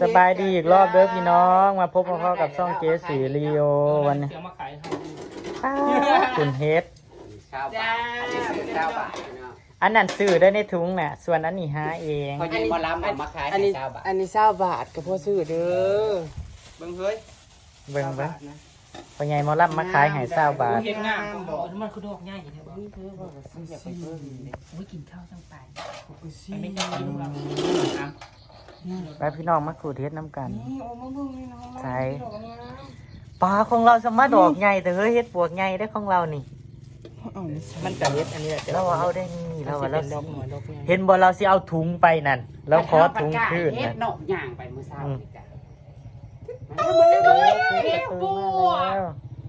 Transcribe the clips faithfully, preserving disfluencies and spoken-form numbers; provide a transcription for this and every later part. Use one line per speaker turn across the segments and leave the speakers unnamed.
สบายดีอีกรอบเด้อพี่น้องมาพบพ่อกับช่องเจสีรีโอวันนี้คุณเฮด
เก้าบาทอันนี้ซื้อเก้าบาทเนาะ
อันนั้นซื้อได้ในถุงน่ะส่วนอันนี้หาเอง
พอยิงมาล้ำเอามาขาย
อัน
ให้
นี้
เก้าบาท
อันนี้เศร้าบาทกับพ่อซื้อเด้อ
เบิ่งเฮ้ย
เบิ่งเบิ่งพอใหญ่หมอลับมาขายให้เศร้าบาท
เห็นงามบอกมันคือดอกง่ายอย่างเงี้ยบอก
นี่เธอบอกว่าซื้ออยากไปเบิ่งนี่เด้
โอ้ยกินข้าวตั้งไป
ไปซื้
มันไม่
อ
ใช่กินเรา
ไปพี่น้องมาขูดเฮ็ดน้ำกัน
นี่โอ้มาเบิ่งนี่น้อง
ใช่ปลาของเราสามารถดอกใหญ่แต่เฮ้ยเฮ็ดปวกใหญ่ได้ของเรานี่
เอานี่
มันกับเฮ็ดอันนี้
เราเอาได้นี่เราว่าเรา
ด
สิ
อกหน่อยดอก
เห็นบ่เราสิเอาถุงไปนั่นแล้วขอถุงคืน
เฮ็
นั่
ด
น
นกย่างไปมื้อเช้านี่จ้ะ
เฮ็ดปวก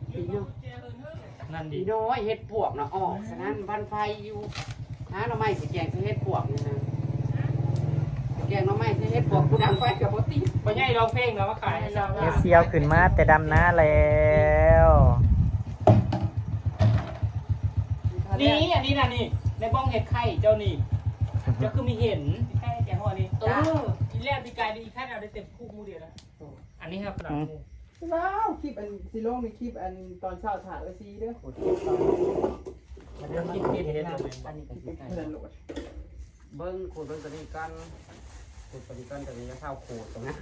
นั่นดี
ดีน้อยเฮ็ดพวกเนาะออกฉะนั้นวันไฟอยู่หาหน่อไม้สิแกงสิเฮ็ดพวกนี่นะสิแกงหน่อไม้สิเฮ็ดพวกกูดังไฟก็บ่ติด
ปัญญาเราเพ่งเรามาขายให้เรา
เฮ็ดเซียวขึ้นมาแต่ดำน้าแล้ว
นี่อันนี้นะนี่ในบ้องเห็ดไข่เจ้านี่เจ้าคือมีเห็นไข่แกงหัวนี่เอออีแรกปีกายอีแค่เราได้เต็มคู่มูเดียวแล้วอันนี้ครับกระดาษ
ว้าวคลิปอันสิลงในคลิปอันตอนเช้าถ่ายไว้ซีเด้อ
มันเริ่มกินเห็ดเห็ดเลย
อันนี้ก็สิใกล้
เพิ่นโหลด
เบิ่งขูดเบิ่งตัวนี้กันขูดตัวนี้กันตัวนี้จะเข้าขูดตรงนั้น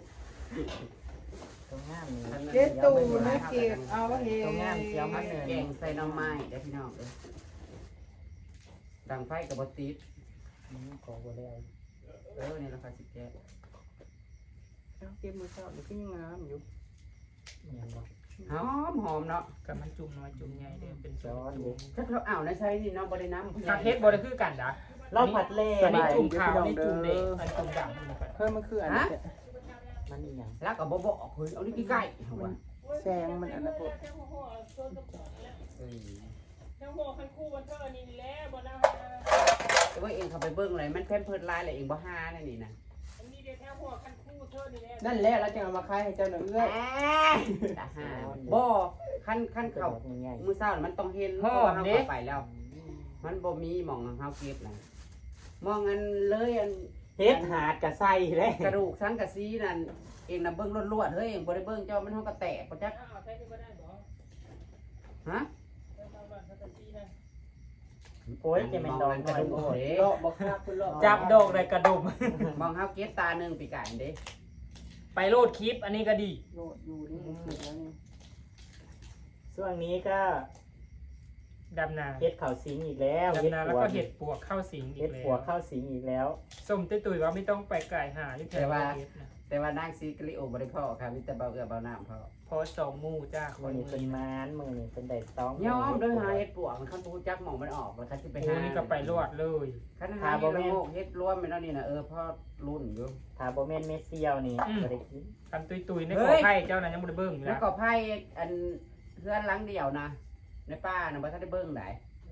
ตรงงามนี่
เก็บตู้นะเก็บเอาเฮ็
ตรงงามเสียวมา
แ
เนิน
กงใส่หน่อไม้ได้พี่น้องเอ้ยดังไฟกับบติด
อืมขอบ่แล้ว
เออนี่ราคาสิบแกะ
เอาเก็บมื้อเช้านี่ก็ยังงามอยู่
ยังบ่
หอมหอมเนาะ
กับมันจุ่มน้อยจุ่มใหญ่เด้เป็น
ซ้อนดิ
ถ้าเราเอาในใช้นี่เนาะบริน้ำ
กระเทศบริคือกันนะ
เราผัดเล่
อันนี้
ไป
จุ่มขาวนี่จุ่มเด็กอันจุ่มดำนี่ครับ
เพิ่นมันคืออันนี้
มันอีหยัง
แล้วก็บ่บอกเฮ้ยเอานี่ใกล้ๆเอาวะ
แซงมันอันนั้นพวก
เอ้ย
ทั้งหัวคันคู่วันเธอนี่แล้วบนเอา
แต่ว่าเองเขาไปเบิ่งอะไรมันแค่เพิ่นลายอะไรเองบ่ฮาแน่นี่นะ
อันนี้เดี๋ยวแค่หัวคันคู่เธอนี่แล้ว
นั่นแหละเราจะเอามาขายให้เจ้าหน่อยเอื้อย
ตาฮาบ่ขั้นขั้น
เขา
เขา
ง่าย
มื้อเช้ามันต้องเห็นเพราะว่าเฮาเข้าไปแล้ว มันบ่มีหม่องเฮาเก็บนะมองอันเลยอัน
เฮ็ดหาดกะใส่เลย
กระดูกสังกะสีนั่นเองน่ะเบิ่งลวดๆเฮ้ยเองบ่ได้เบิ่งเจ้ามันเฮาก็แตกบ่จัก
อ้าวใช้ที่ก็ได้บ่
ฮะ
ทางบ้านเขาจะตีนะ
โอ้ยจะเป็นดอก
กระดูก
โอ้ย
เด้
เลาะบ่คักเพิ่นเลาะ
จับดอกเลยกระดุม
มองเฮาเก็บตาหนึงปีกายเด้
ไปโลดคลิปอันนี้ก็ดี
โลดอยู่นี่คลิปแล้วนี่
ช่วงนี้ก็
ดำนา
เฮ็ดข้าวสิงอีกแล้วเฮ็ด
ดำนาแล้ว
ปัว
ก็เห็ดปวกเข้าสิงอี
เฮ็ด
กแล้
ปัว
ว
ข้าวสิงอีกแล้ว
ส้มตุ้ยตุ้ยว่าไม่ต้องไปไก่หาที่แถวเฮ็ดนะ
แต่ว่านางซีกริโอบริพ่อค่ะมีแต่เบาเอือเบาน้ำพอ
พอสองหมู่จ้าค
มื้อน นี้เป็นมานมื้อนี้เป็นได้ต้อง
ยอมโดยหาเห็ดปวกมันคันบูจักหมองมันออกแล้วคันที่ไป
โอ้
หา
นี่ก็ไปรวดเลย
คันหาเห็ดละโงกเห็ดรวมไปแล้วนี่นะเออพ่อรุ่นอยู่
ถ้าบ่แม่นเมสเซียวนี่บ่ได้กิน
คันตุ้ยตุ้ยใน
เฮ้
ขอย ไผ่เจ้านั้นยังไม่ได้เบิ้งอยู่
แล้ว
นะ
ก็ไพ่อันเพื่อนหลังเดียวนะในป้านะบ่ทันได้เบิ่งได้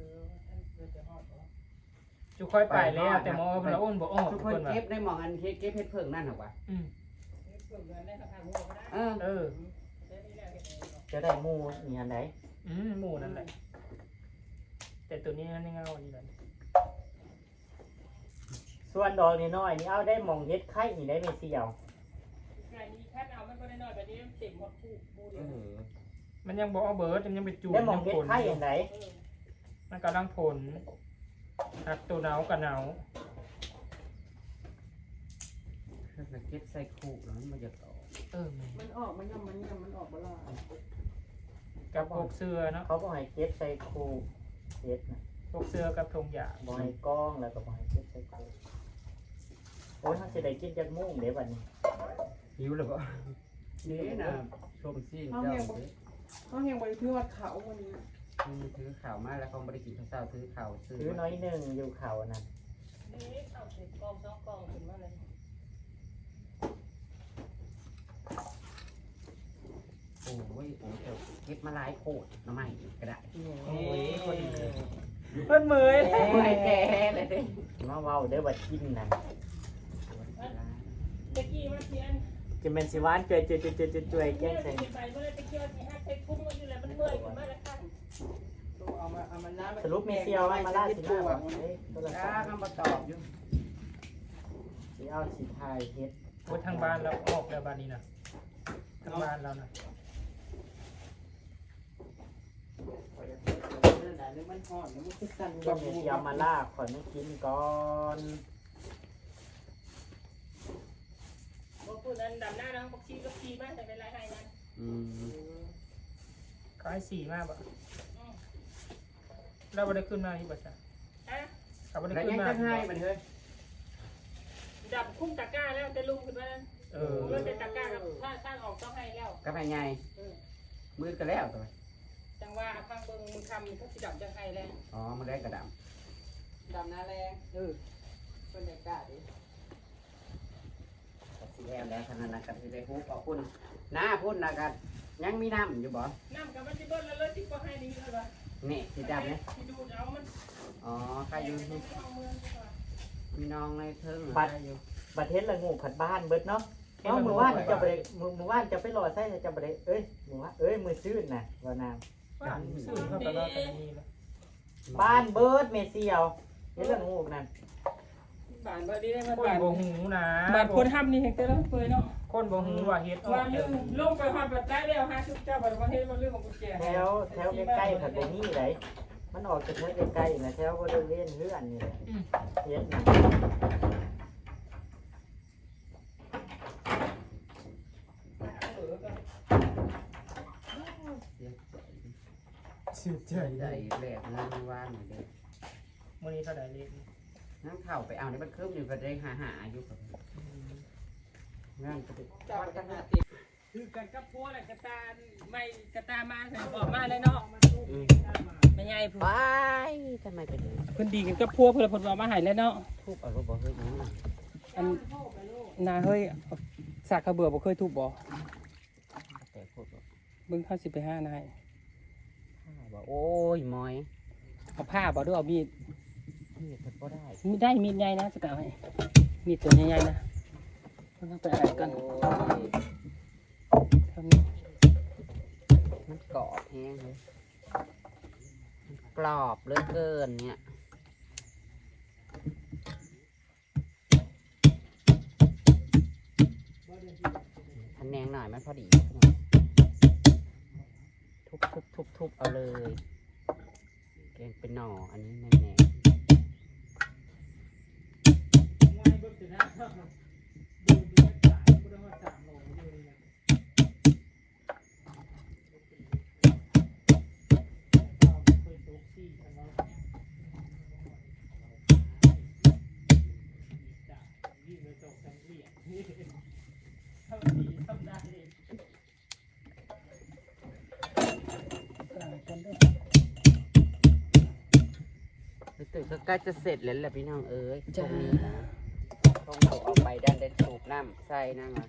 จุค่อยไปแล้วแต่หมอพระอ้นบอกอ้อ
ทุ
ทุ
ก
ก
ค
คน นว่า
เก็บในหมองอันเฮ็ดเก็บเห็ดเพิ่งนั่นหรอวะ
อืม
เออ
เออ
จะได้หมู่นี่อันใด
อืมหมู่นั่นแหละแต่ตัวนี้มันไม่เงาดีเลย
ส่วนดอกน้อยๆนี่เอาได้หม่องเฮ็ดไข่นี่ได้เมสเซียว
ไก่นี้แค่เอามันก็ได้น้อยแบบนี้เต็มหมดคู่คู่
เอ
เดียว
อ
มันยังบอกเอาเบิร์ดมันยังไปจูบ
ได้หม่องเฮ็ดไข่อันใด
มันกำลังผลหักตัวหนาวกับหนาว
ถ้าเก็บใส่คู่แล้วมันบ่จะต่อ
เออ
มันออกมันยังมันยังมันออกบ่ล่ะ
กับพวกเสื้อเนาะ
เขาบ่ให้เก็บใส่คูเฮ็ดนะ
พวกเสื้อกับธงหยา
บ่ให้กล้องแล้วก็บ่ให้เก็บใส่คูโอ้ยเฮาสิได้กินจักโมงเด้บัดนี้
หิวแล้วบ่นี่นะชมซีนเจ้าเด้
เขาเฮงบ่ได้ถือว่าเขาวันนี้
อืมถือข่าวมาแล้วเขาบ่ได้กินข้าวเช้าถือข่าวซื้อ
ถือน้อยหนึงอยู่เขานั่น
นี่เอาเสร็จกองสองกองขึ้นมาเลย
โอ้ยโอ้ยเจ้าเก็บมาหลายโคตรหน่อไม้ก็ได้
โอ้ยคนเพิ่นเหมย
โอ้ยแก่เลยเด้
มาเว้าเด้อว่ากินนั่น
ตะกี้มาเทียน
จะแม่นสิหวานจ่วยๆๆๆๆแกงใส่
ไปเมื่อตะกี้ที่ฮักใส่พุ่งมาอยู่แล้วมันเมื่อยขึ้นมาแล้วค่ะ
ตัวเอามาเอามาล้าง
สรุปเมสเซียวว่ามาล่าสิมาบ่เอ้ยโทร
จ้า
ศัพท์
คำมาตอบอยู่
สิเอาสิถ่ายเฮ็ด
ทอ้ทางบ้านเราออกแล้วบ้านนี้นะทางบ้านเรานะ
มันหอนมันคือสั่น
ก็มียามาล่าขอไม่กินก่อน
พวกผู้นั้นดำหน้าน้องพวกชีก็ชีมากแต่เป็นไรให้นะ
อืม
ก็ให้สี่มากบ่เราไม่ได้ขึ้นมาที่บัตรอ่ะเราไม่ได้
แล้ว
ขึ้
ยั
น
ง
มา
จะให้มันเฮ้ย
ดับคุ้มตะกร้าแล้วจะลุงขึ้นมา
เออ
เริ่มเป็นตะกร้าครับถ้าถ้าออกต้องให้แล้ว
ก็ไปไงมืดก็แล้วตัว
จังว่าฟังเบิ่งมึงทำถ้าสิดับจะให้แล้ว
อ๋อมันได้กระด
ดำหน้าแรงเออเพิ่นได้กล้าดิ
ำสีแล้วแล้วขนาดนั้นก็สิได้ฮู้ขอบคุณหน้าพุ่นนะกันยังมีน้ำอยู่บ่
น้ำกับมันจะเบิ้ลแล้วเลยที่ก็ให้นี่เลยว่ะ
นี่สีดำเนี่ย
ที่ดูเอามัน
อ๋อใครอยู่นี่มีน้องในเทิง
บัตรบัตรเทศละงูผัดบ้านเบิดเนาะเนาะมือว่านจะไปมือมือว่านจะไปรอไส้จะไปเอ้ยมือว่าเอ้ยมือซื่นน่ะว่านาม
ซื้อเข้าไปแล้วแต่นี่แล้ว
บ้านเบิดเมเซียวเฮ็ดละงูนั่น
บ้านพอดีได้มาบ้านบ่หูนะบ้านคนทำนี่เห็นแต่ละเปยเนาะคนบ่หูว่าเฮ็ดว่าเรื่องลงไปฮอดบัดได้แล้วหาชุดเจ้าบัดว่าเฮ็ดว่าเรื่องของกุญแจ
แถวแถวใกล้ๆผัดบ่มีไหนมันออกจากแถวใกล้ๆนะแถวบ่ได้เล่นเฮือนนี่แหละเฮ็ดน่ะ
ชื่อใจ
ใจแหลกงานว่านหน่อยเด้อ
มื้อนี้เท่าใดเลข
นั่งเข่าไปเอาในบ้านเครื่องอยู่ก็ได้หาหาอยู่กับงานก็ได้
เจ้ากันหาติด
คือกันกับพัวแหละกระตาไม่กระตามาใส่บอกมาเลยเนาะไม่ใหญ่ผู้
ไปทำไมเป็นอย่างนี้
เพิ่นดีกันกับพัวเพิ่นเพิ่นว่ามาให้แล้วเนาะ
ทุบเอารถบ่เฮ้ยยังไง
อันนาเฮ้ยสากกระเบือบ่เคยทุบบ่
แต่พูดว่า
เบิ่งเขาสิไปหานาย
ว่าโอ้ยมอย
เอาผ้าบ่ด้วยเอามีด
นี่เพิ่นบ่ได้
มีได้มีดใหญ่นะจะเอาให้มีดตัวใหญ่ๆนะเพิ่นเอาไปอ่านกัน
โอ้ย
เท่านี้
มันกรอบแห้งเลยมันกรอบเหลือเกินเนี่ยคะแนนหน่อยมันพอดีทุบทุบทุบทุบเอาเลยแกงเป็นหน่ออันนี้แน่แน่
ง่ายเบิ่งสินะเบิ่งสิสายบ่ได้ว่าสามโลอยู่นี่นะเอาไปตกซี่กันเนาะจ้ะวิ่งไปตกกันเรียนทำดีทำได้เลยกันด้วย
รู้สึกก็ใกล้จะเสร็จแล้วแหละพี่น้องเอ้ยตรงนี้นะต้องเอาออกไปด้านเด็ดสูบน้ำใส่นั่งอ่ะ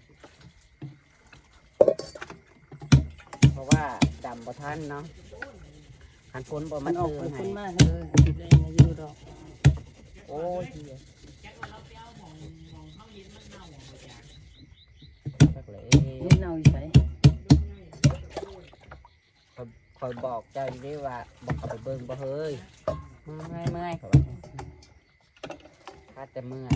เพราะว่าดำบ่ทันเนาะขันฝนบ่
มั
มัน น
ออก
เตื
ไป
อนให้
คนมากเลยได้มาอยู่ดอก
โอ้ยจักเลย
นี่เน่าอยู่ไส
คอยบอกเจ้าอยู่ด้วยว่าบอกเขาไปเบิ่งบ่เฮ้ยเมื่อยเมื่อยเขาบอกข้าแต่เมื่อย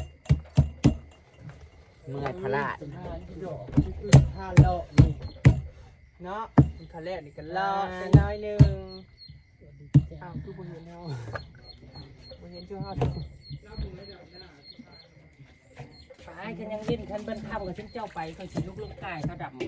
เมื่อยพลาด
ดอกอื่นห้าเลาะนี่เนาะคันแรกนี่ก็เลาะไปน้อยหนึงอ้าวคือบ่เห็นเฮาบ่เห็นชื่อเฮา
ตายฉันยังดิ้นฉันเบิ้นข้ามกับฉันเจ้าไปเขาสิลุกลุกกายเขาดำ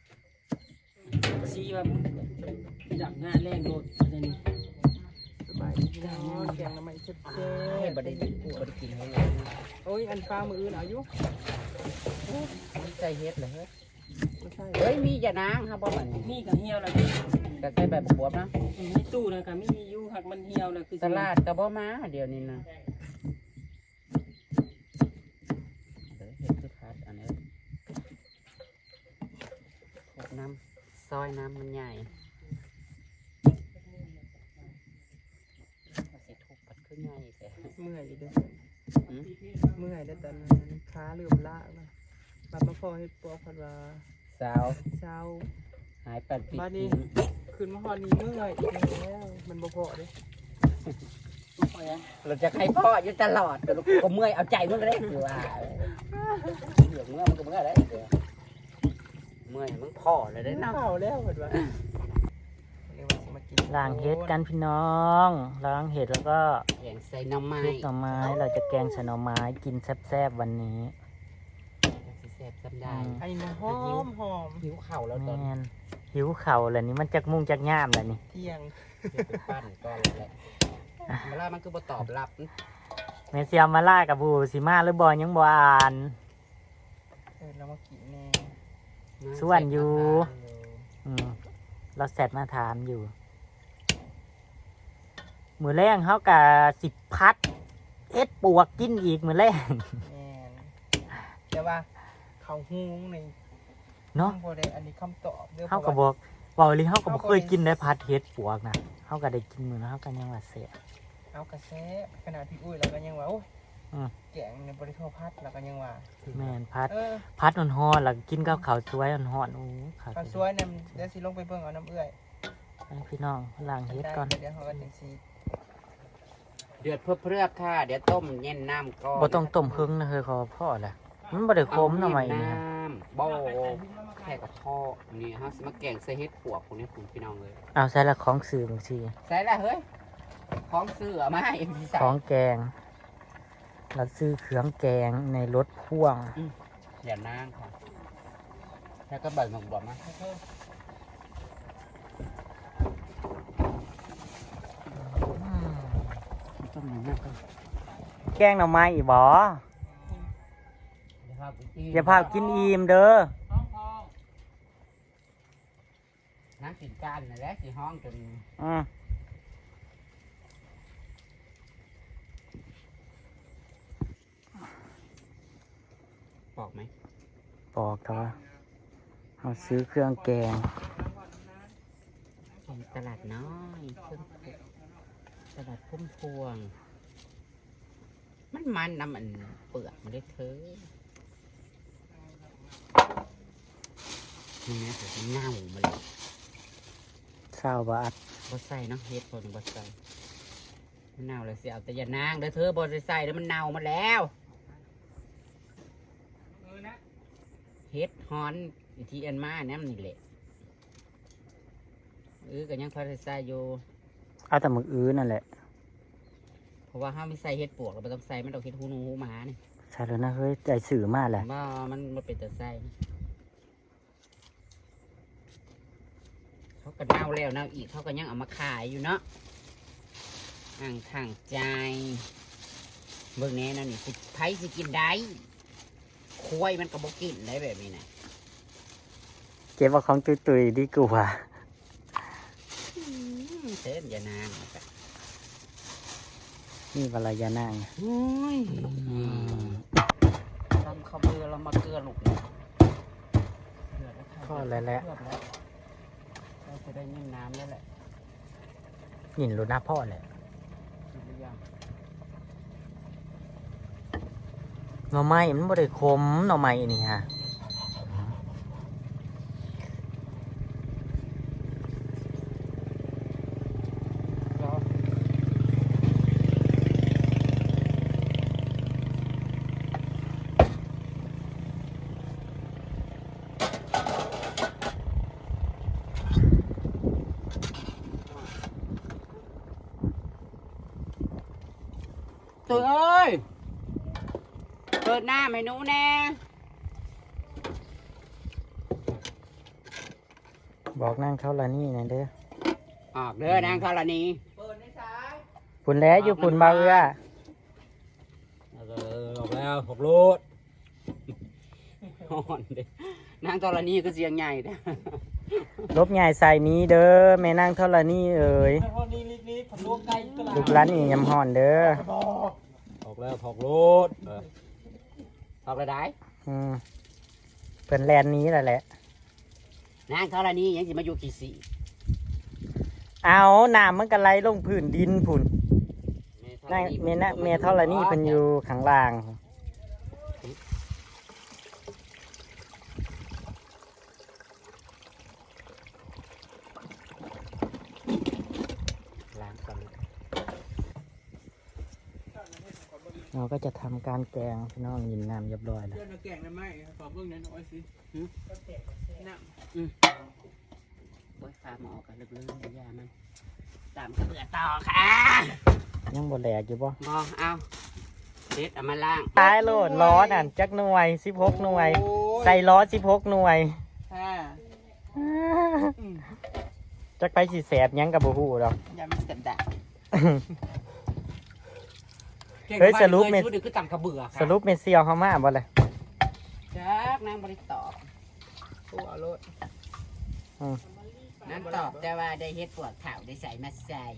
ซีว่าดับหน้าแรงโดดเลยนี่
สบายดีเนาะแกงน้ำมันเซ็
ให้
บ
บริบริกินให้เลย
ๆโอ้ยอันฟ้ามืออื่นเอาอยู่
มันใจเฮ็ดเลยเฮ้ย
บ่ใช่
เฮ้ยมีอย่านางครับบ่มัน
นี่กับเหี่ยวแล้วนี่
ก็ใส่แบบบวบนะ
มีตู้นะกับมีอยู่หักมันเหี่ยวแล้วคือ
ตลาดก็บ่มาเดี๋ยวนี้นะเดี๋ยวเฮ็ดคือคัดอันนี้พวกน้ำซอยน้ำมันใหญ่สิทุบปัดขึ้นใหญ่แต่
เมื่อยอยู่เด้อ
อืม
เมื่อยแล้วตอนนั้นขาเริ่มล้าแล้วบัดมาพอเฮ็ดปอกพัดว่า
สาว
เช้า
หายปัดปิด
บ้านนี้
ทิ้ง
ขึ้นมาฮอดนี้เมื่อยอีกแล้วมันบ่พอเด้
ไฟ
เราจะใครพ่ออยู่ตลอดก็เมื่อยเอาใจมึงก็ได้อยู่ว่าเหลือเมื่อมันก็เมื่อยได้เมื่อยมึงพ่อเลยได้เนาะ
เข้าแล้วเห็นปะเรียกว่าสิมากิน
ล้างเห็ดกันพี่น้องล้างเห็ดแล้วก็
แกงใส่น้ำไม้
คลุกหน่อไม้เราจะแกงใส่หน่อไม้กินแซ่บๆวันนี้
แซ่บซ้ำได้
อันนี้มันหอมหอม
หิวเข่าแล้วตอน
แม่นหิวเข่าวแล้วนี่มันจักมุ่งจักย่ามแล้วนี่
เที่ยง
ปั้นก่อนแหละเวลามันคือบ่ตอบรับ
แม่เสียมาล่ากับบูสิมาหรือบอยังบอ่าน
เออเรามากินแน่
ส่วนอยู่ อืมเราแซดมาถามอยู่ มือแรงเขากับสิบพัดเอ็ดปวกกินอีกมือแรง
แน่นแต่ว่าเขาฮูงใน
เนาะ
คำบ่ได้อันนี้คำตอบด้
เขาก็บอกบอกเลยเขาก็บอกเคยกินได้พัดเฮ็ดปวกนะเขาก็ได้กินมือแล้วเขาก็ยังว่าเสีย
เอากระแสขนาดพี่อุ้ยแล้วก็ยังว่าโอ้ย
อืม
แกงในบริโภคพัดแล้วก็ยังว่า
แม่นพัด
เออ
พัดอ่อนๆแล้วก็กินกับข้าวสวยอ่อนๆโอ้ข้าว
ข้าวสวยเนี่ยเดี๋ยวสิลงไปเบิ่งเอาน้ำเอื้อย
ให้พี่น้องล้างเฮ็ด
ได้
ก่อน
เดี๋ยวเขาก็จังซี
เดือดเพื่อเพื่อค่ะเดี๋ยวต้มเย็นน้ำก่อน
บ่ต้องต้มเพิ่งนะเฮ้ยขอพ่อแหละมันบ่ได้คมหน่อไม้นี่
น้
ฮะ
ำบ่แค่กับพ่อนี่ฮะสิมาแกงใส่เฮ็ดปวกพวกนี้คุณพี่น้องเลย
เอาใส่ละของสื่อบางที
ใส่ละเฮ้ยของเสือมาให้พี่ใส่
ของแกงเราซื้อเครื่องแกงในรถพ่วง
เดี๋ยวนั่งค่ะแล้วก็ใบหมกบวบมาต้มหนึ่งมากก็
แกงหน่อไม้อีบ่
เดี๋ยวพาไปกิน
อย่าพากินอิ่มเด้อ
นั่งกินกันนั่นแหละสิห้องจน
อืม
บอกไหม
บอกเถอะเราซื้อเครื่องแกง
เป็นตลาดน้อยเครื่องตลาดพุ่มพวง มันมันน้ำมันเปลือกมันได้เธอนี่นะเดี๋ยวมันเน่ามาเลย
เศร้าบาท
บดใส่เนาะเฮ็ดคนบดใส่มันเน่าเลยเสียเอาแต่อยานางเด้อเธอบดใส่แล้วมันเน่ามาแล้วเฮ็ดฮอนอีทีอันมาเนี่ยมันนี่แหละเออก็ยังพอได้ใส่อยู่
เอาแต่มึกอื้อนั่นแหละ
เพราะว่าห้ามไม่ใส่เฮ็ดปวกเราไม่ต้องใส่มันต้องเฮ็ดหูหนูหูหมาเนี่ย
ใช่แล้วนะเฮ้ยใจสื่อมากแหละ
ว่ามันมันเป็นแต่ใส่เขาก็เน่าแล้วเน่าอีกเขาก็ยังเอามาขายอยู่เนาะอ่างทางใจเบิ่งแน่นั่นนี่สิไผสิกินได้ควายมันก็บ่กินได้แบบนี้นะ
เก็บเอาของตุยๆดีกว่า
อืมเส้นอย่านางนะจ๊ะ
นี่วลายานาง
โอ้ยทำข้าวเบื่อเรามาเกลือลูกเนี่ยเดือดแล้วค่ะ
พ่อแล้วแหละ
เดือดแล้วเราจะได้ยินน้ำแล้วแหละ
ยินรู้นะพ่อแหละ
กินหรือยัง
หน่อไม้มันบ่ได้คมหน่อไม้นี่ฮะ
รอ ตัวเอ้ย เปิดหน้าให้หนูแน่
บอกนั่งเขาละนี่นะเด้อ
ออกเด้อนางธรณี
ปุ่นแล้วอยู่ปุ่นเบาเอื้อ
เออออกแล้วหกโลดอ่อนเด้นางธรณีก็เสียงใหญ่เด้อ
ลบใหญ่ใส่นี้เด้อแม่นั่งเท่าละนี่เอ่ย
พอนี้ลิกๆผมลวกไก่ตลาด
ลูกร้านนี่ยำห่อนเด้อ
ออกแล้วหกโลดออกแล้วได้
อืมเพิ่นแลนนี้แหละแหละ
นางธรณียังสิมาอยู่กี่สี
เอาน้ำมันก็ไหลลงพื้นดินพุ่นนั่งเมนะเมเท่าละนี่เพิ่นอยู่ข้างล่าง
ล้างก่อน
เราก็จะทำการแกงพี่น้องยินน้ำเรียบร้อยแล้ว
เพื่อนมาแกงได้ไหมขอเบิ่งหน่อยสิน้ำ
โอ้ยฟ้าหมอกันลึกๆยามันตามกระเบือต่อค่ะ
ยังบ่แหลกอยู่บ่
บอเอาเด็ดเอามาล่าง
ท้ายโหลดล้อนั่นจักหน่วยสิบหกหน่วย ใส่ล้อสิบหกหน่วย
ค่ะ
จักไปสิแสบหยังกับบ่ฮู้ดอก
ยามันกระดาษ
เฮ้ยสรุปเม
เม็
น
ดคือตำกระเบือค่ะ
สรุปเมนเซียวเขามาบ่เลย
จักนางบริตอบ
ตัวรถ
นางตอบแต่ว่าได้เฮ็ดปวดข่าวได้ใส่มาใส่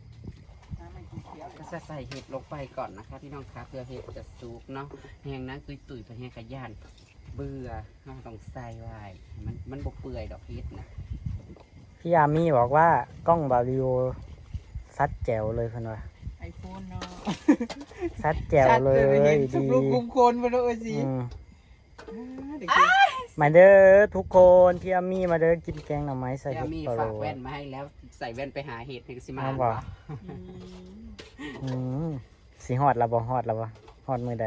ก็จะใส่เห็ดลงไปก่อนนะคะพี่น้องคะเพื่อเห็ดจะสุกเนาะแห้งนั้นตุยตุยๆไปแห้งขย่านเบื่อเราต้องใส่ไว้มันมันบกเปื่อยดอกเห็ดนะ
พี่อามี่บอกว่ากล้องบาริโอซัดแจ๋วเลยเพิ่นว่า
ไอโฟนเนาะ
ซัดแจ๋วเลย
ทุ
ดี
กลูกคุมโคนไปเลยสิ
อืม
เด็ก
มาเด้อทุกคนพี่อามี่มาเด้อกินแกงหน่อไม้ใส่
แล้
เห็
ว
ด
มี
ปลาโล
ฝากแว่นมาให้แล้วใส่แว่นไปหาเห็ดให้สิมา
เอาบ่ อืมสีฮอดละบ่ฮอดละบ่ฮอดมือใด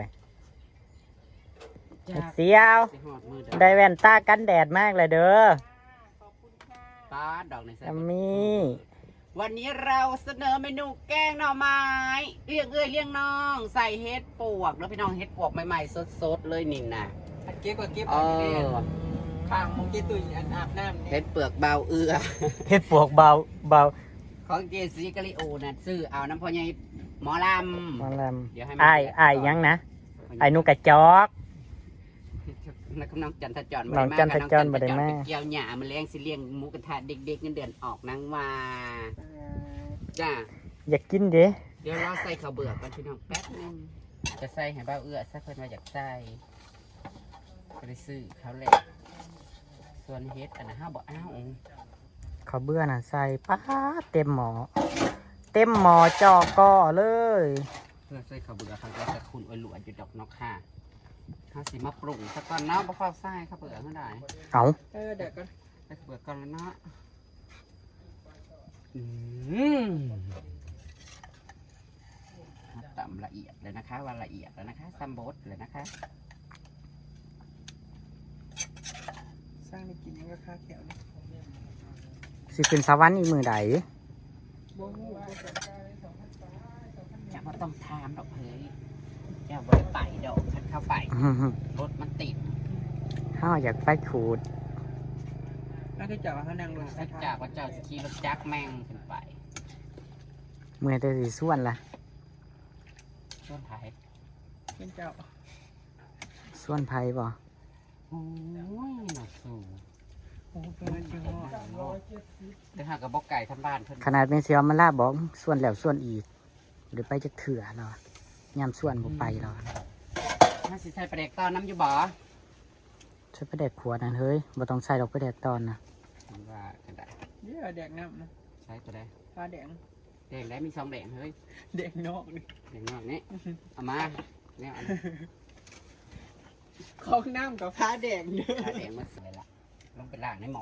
จ้า
เสียว
สิหอดมือเด้
ได้แว่นตากันแดดมากเลยเด้อ
ป้าดดอกในใส่
อามี่
วันนี้เราเสนอเมนูแกงหน่อไม้เรียกเอ้ยเรียกน้อง ใส่เห็ดปวกแล้วพี่น้องเห็ดปวกใหม่ๆสดๆเลยนี่นะ
เก็บก็เก็บ
เอ
เอาไปเลย
อ
ข้างมองเกตุยอันอาบน้ำเนี่
เห็
ย
ดเปลือกเบาเอือ
เฮ็ดปวกเบาเบา
ของเจสีกะลิโอนะซื้อเอาน้ำพ่อใหญ่หมอล
มาแลม
ำเดี๋ยวให้มัน
อ้ายอ้ายยังนะไอ้หนูกระจอก
นักน้องจันทจร
น้องจันทจรบ่ได้มา
ไปเกี่ยวหญ้ามาเลี้ยงสิเลี้ยงหมูกระทะเด็กๆเงินเดือนออกนางว่าจ้า
อยากกินเด้
เดี๋ยวเราใส่ข้าวเบื่อกันพี่น้องแป๊บนึงจะใส่ให้เบ้าเอื้อสักเพิ่นมาอยากใส่ก็ได้ซื้อเขาแหละส่วนเฮ็ดอันนั้นห้าบอกอ้าว
เขาวเบื่อน่ะใส่ป้าดเต็มหมอ เต็มหมอจอก่อเลย
เพื่อใส่ข้าวเบื่อเขาจะจะคุณอวยหลวนอยู่ดอกเนอกค่ะถ้าสิมาปรุงสักก่อนเนาะบ่ฟ้าวใส่ข้าวเบื่อเท่าไหร่
เอา
เออเด็กก็
ใส่ข้าวเบื่อก่อนแล้วเนาะอืมตำละเอียดเลยนะคะว่าละเอียดแล้วนะคะซัมโบสเลยนะคะ
สร้างในกินมันก็ค่าแขวเนี่ย
สิขึ้นสวรรค์อีกมือใด
บ่งูบ่กัน
จะมาต้องทามดอกเฮ้ยจะบริไปดอกคันเข้าไป
อื้อหือ
รถมันติด
ห้าอยากไปขูด
แล้วก็จับว่าเขานั่งรถ
ถ้าจากว่าเจ้าสขี่รถจักรแม่งขึ้นไป
มือแต่สีส่วนละ
ช่วงท้าย
เป็นเจ้า
ส่วนไผ่บ่
โอ้ยหนักสูง
โอ้เป็นจริงเหรอ
แต่หากกับบอกไก่ทำบ้านเพิ่น
ขนาดเป็นเสียวมันลาบอกส่วนแล้วส่วนอีกหรือไปจะเถื่อเรายามส่วนบ่ไปเรา
ถ้าสิใส่ประเด็กตอนน้ำอยู่บ่
ใช้ไปแดกขวดนั่นเฮ้ยบ่ต้องใส่ดอกไปแดกตอนนะ
มันว่ากันได้
เดี๋ยวแดกน้ำนะ
ใช้ตัวใด
ฟ้าแดง
แดงได้มีสองแดงเฮ้ย
แดงนอกนี่
แดงนอกนี้เอามาเนี่ยเอามา
ของน้ำกับฟ้าแดงเด้อ
ถ้าแดงมาสวยละลงไปล่างในหมอ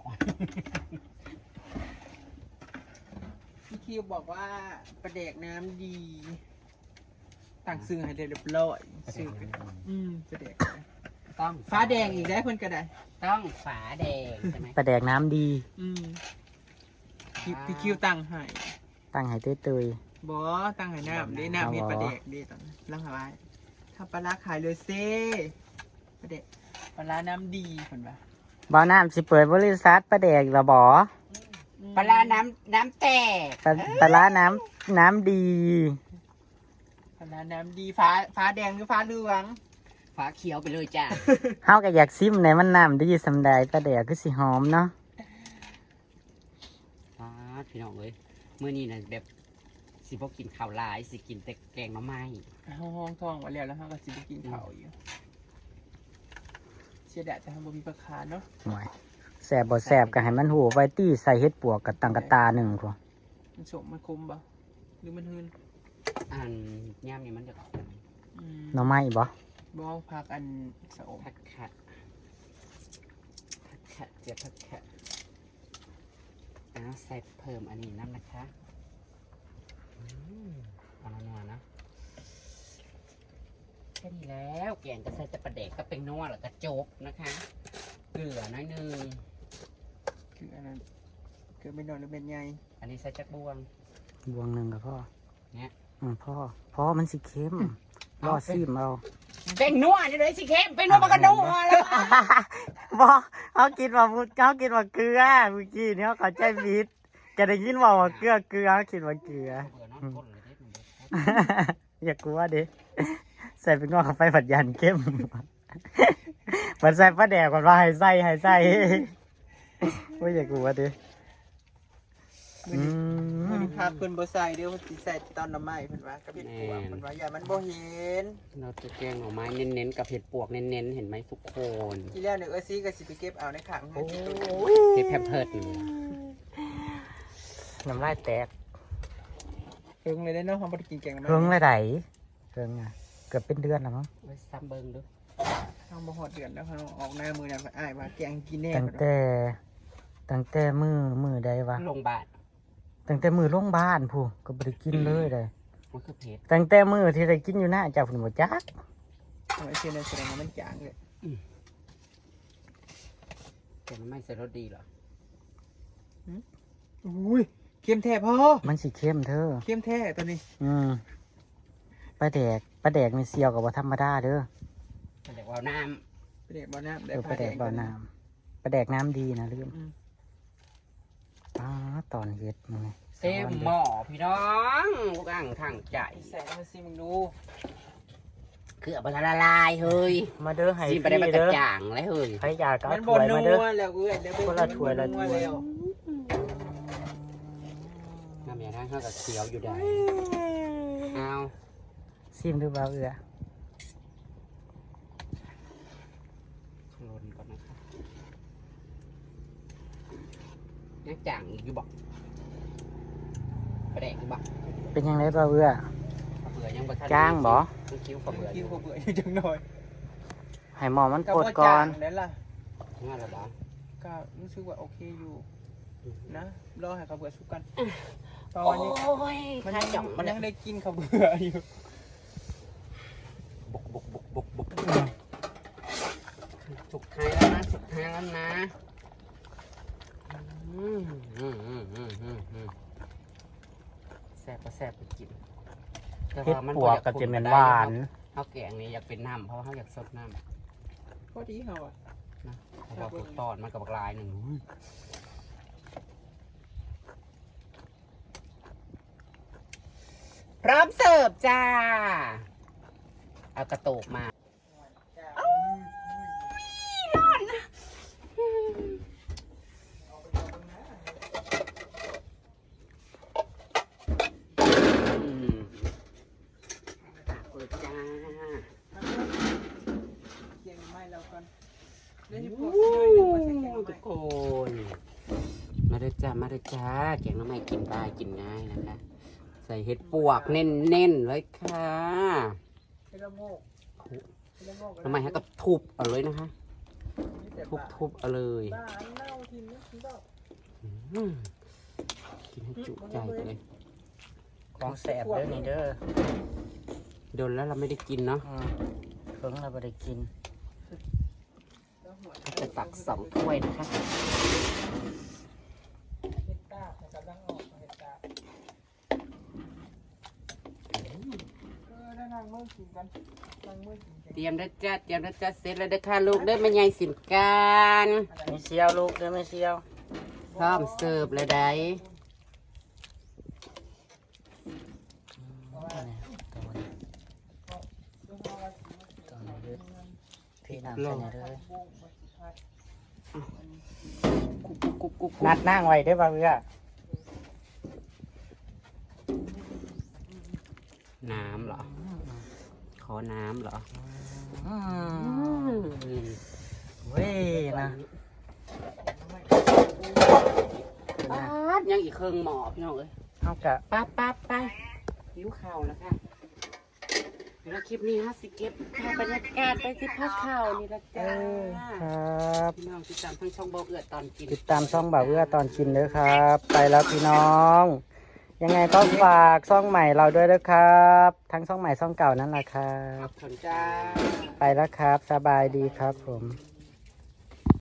พี่คิวบอกว่าประแดกน้ำดีต่างซื้อให้เรียบร้อยซื้อกันอืมประแดก
ต้อง
ฟ้าแดงอีกได้เพิ่นก็ได้
ต้องฝาแดงใช่ไหม
ไปแดกน้ำดี
อืมพี่พี่คิวตั้งให้
ตั้งให้เตย
บอตั้งให้น้ำดีน้ำเม็ดประแดกดีตอนนั้นลังหาไว้ถ้าปลาร้าขายเลยเซ่ประแดกปลาร้าน้ำดีเพิ่นว่า
ๆบ่าวน้ำสิเปิดบริษัทปลาแดกละบ่
ปลาร้าน้ำน้ำแตก
ปลาปลาร้าน้ำน้ำดี
ปลาร้าน้ำดีฟ้าฟ้าแดงหรือฟ้าเหลือง
ฝาเขียวไปเลยจ้า
เฮาก็อยากซิมในมันน้ำดีสำใดปลาแดกคือสิหอมเนาะ
ฟ้าพี่น้องเอ้ยมื้อนี้น่ะแบบสิบ่กินข้าวหลายสิกินแต่แกงหน่อไม้
ห้องห้องท้องไว้แล้วแล้วเฮาก็สิไปกินข้าวอยู่เสียดายแต่เฮาบ่มีปลาคาเนาะ
หน่วยแสบบ่แสบก็ให้มันหูไว้ตี้ใส่เฮ็ดปวกกับตังกะตาหนึ่งพอ
มันสมมันคมบ่หรือมันหืน
อันย่ามนี่มันจะออก
อืม
หน่อไม้บ่
บ่พักอันสะอม
ผัดขัดผัดขัดเจียวผัดขัดอ้าวใส่เพิ่มอันนี้น้ำนะคะอืมเอาหนัวๆนะค่นี้แล้วแกงก็ใส่แต่ปลาแดกก็เป็นนัวแล้วก็จบนะคะเกลือน้อยหนึง
คืออันนั้นคือเป็นดอนหรือเป็นใหญ่
อันนี้ใส่จักบวง
บวงหนึ่งกับพ่อ
เนี่ย
อืมพ่อพ่อมันสิเค็มรอซิมเอา
เป็นนัวนี่เลยสิเค็มเป็นนัวมันก็นัวแล้ว
บ่เขากินว่าเขากินว่าเกลือเมื่อกี้เนี่ยเขาใจผิดจะได้ยินว่าว่าเกลือเกลือเขาคิดว่าเกลือ
เบื่อนอนก้นเลยเด็ดมันเด็ด
อย่ากลัวดิใส่เป็นงอกเข้าไปผัดยันเข้มมันใส่ปลาแดกก่อนว่าให้ใส่ให้ใส่ว่าอย่ากลัวดิ
มือนี้มือนี้พาเพิ่นบ่ใส่เดี๋ยวสิใส่ตอนน้ำไม้เพิ่นว่ากับเห็ดปวกเพิ่นว่าอย่ามันบ่เห็น
เราจะแกงหน่อไม้เน้นๆกับเห็ดปวกเน้นๆเห็นไหมทุกคน
ที่แล้วเนี่ยเอ้ยซีก็สิไปเก็บเอาในขังให้ที่ตู้
เห็ดแพมเพิร์ดนี่
น้ำลายแตก
เพิ่งเลยได้เนาะเฮาบ่ได้กินแกงน้ำไม้
เพิ่งเลยไหนเพิ่งอ่ะเกือบเป็นเดือนแล้วมั้ง
ไว้ซ้ำเบิ้งดู
เฮาบ่ฮอดเดือนแล้วเฮาออกหน้ามือนั้นอ้ายว่าแกงกินแน่
ตั้งแต่ตั้งแต่มือมือใดวะ
โรงพยาบาล
ตั้งแต่มือโรงพยาบาลผู้ก็บ่ได้กินเลยเลย
มันคือเผ็ด
ตั้งแต่มือที่ได้กินอยู่หน้าเจ้าผุนบ่จัก
ทำไมเช่นนั้นแสดงว่ามันจางเลย
แต่มันไม่ใส่รสดีเหรอ
อุ้ยเค็มแท้พอ
มันสิเข้มเธอ
เค็มแท้ตัวนี้
อืมปลาแดกปลาแดกนี่เซียวกับว่าธรรมดาเด้อ
แต่เดี๋ยวเอาน้
ไปเด็กบ่อน้ำ
เออปลาแดกบ่อน้ำปลาแดกน้ำดีนะลืม
อืม
อ๋อตอนเฮ็ดมึงนี่
ำเต็มหม้อพี่น้องลูกอ่างทางใจ
ใส่น้ำมันซีมึงดู
คือเอาไปละลายเฮ้ย
มาเด้อให้
ซี
ฟ
ไปได้
รี
มากระ
เด้อ
จ่างเลยเฮ้ย
ใครอยากก็
มั
เอา
น
ถ้
บ่
วย
นั
มาเด้อ
วแล้วเอ้ยเดี๋ยวไป
คนละถ้วยละถ้วย
แล้ว
น้ำยาทางข้าวกับเขียวอยู่ได้เอา
ซิมดูเบาเอือ
คลนก่อนนะครับยังจ่างอีกอยู่บอกไปแดกอยู่บอก
เป็นยังไงเบาเอือ
ข้าวเบื่อยังบ่ทัน
จ้างบ่
ต้องคิ้วข้าวเบื่ออ
กิน
ยู่
ข้าวเบื่ออยู่จังหน่อย
ให้หมอมัน
ก็
ปวด
บ่
ก่อน
จางนั่นล่ะ
งั้นเหรอบ่
ก็รู้สึกว่าโอเคอยู่นะรอให้ข้าวเบื่อสุกกันต
โอ้
อนนี้
ย
มัน
ข้า
ยัง
จ่อง
มั
มัน น
ยังได้กินข้าวเบื่ออยู่
บุกบุกบุกบุกบุกสุดท้ายแล้วนะสุดท้ายแล้วนะอืมอืมอืมอืมอืมอืมแซ่บก็แซ่บไปกินแต่
เฮ็ด
ว่ามัน
ปวกกับจะเป็นหวาน
ข้าวแกงนี่อยากเป็นน้ำเพราะว่าเขาอยากสดน้ำ
พอดีเฮาอ่ะ
นะเพราะว่าถูกตอนมันกับบักลายหนึ่งพร้อมเสิร์ฟจ้า เอากระโตกมาอืมตักเลยจ้า
เกียงไม้แล้วกันเดี๋ยว
โอ้
สิพวก
ทุกคน มาเด้อจ้ามาเด้อจ้าแกงน้ำไม่กินได้กินง่ายนะคะ ใส่เห็ดปวกเน้นๆเลยค่ะ
เฮ็ดละโงกเฮ็ดละโงก
น้ำไม่ให้กับทุบเอาเลยนะคะ ทุบทุบเอาเลย
บ้าอันเน่าทีนี้กินบ่
อืมกินให้จุใจไปเลย
ของแสบเด้อนี่เด้อ
โดนแล้วเราไม่ได้กินเนาะ
อืมเพิ่งเราบ่ได้กิน
แล้วหัว
ก็จะตักสองถ้วยนะคะ
เฮ็ดตาแต่กำลังออกเฮ็ดตาเออได้นั่งมื้อกินกันนั่งมื้อกินกัน
เตรียมนะจ้าเตรียมนะจ้าเสร็จแล้วเด้อค่ะลูกเด้อแม่ยายสินการ
ไม่เซียวลูกเด้อไม่เซียว
พร้อมเสิร์ฟเลยได้
พี่น้ำใส่ในเด้อ
กุ๊กกุ๊กกุ๊กกุ๊ก
นัดนั่งไว้เด้อบ่าวเอื้อ
น้ำเหรอ ขอน้ำเหรอ
อืม
อืม
เว้ยนะ
ป๊าดยังอีกเครื่องหมอพี่น้องเอ้ย
เอากะ
ป๊าบป๊าบไปหิวข่าวแล้วค่ะเดี๋ยวคลิปนี้ฮะสิเก็บภาพบรรยากาศไปที่พักข่าวนี่ละจ้า
ครับ
พี่น้องติดตามทั้งช่องเบาเอือดตอนกิน
ติดตามช่องบ่าวเอื้อตอนกินเด้อครับ ไปแล้วพี่น้อง อยังไงก็ฝากซ่องใหม่เราด้วยนะครับ ทั้งซ่องใหม่ซ่องเก่านั่นแหละครั
ข
บ
อบคุณจ้า
ไปแล้วครับ สบายดีครับผม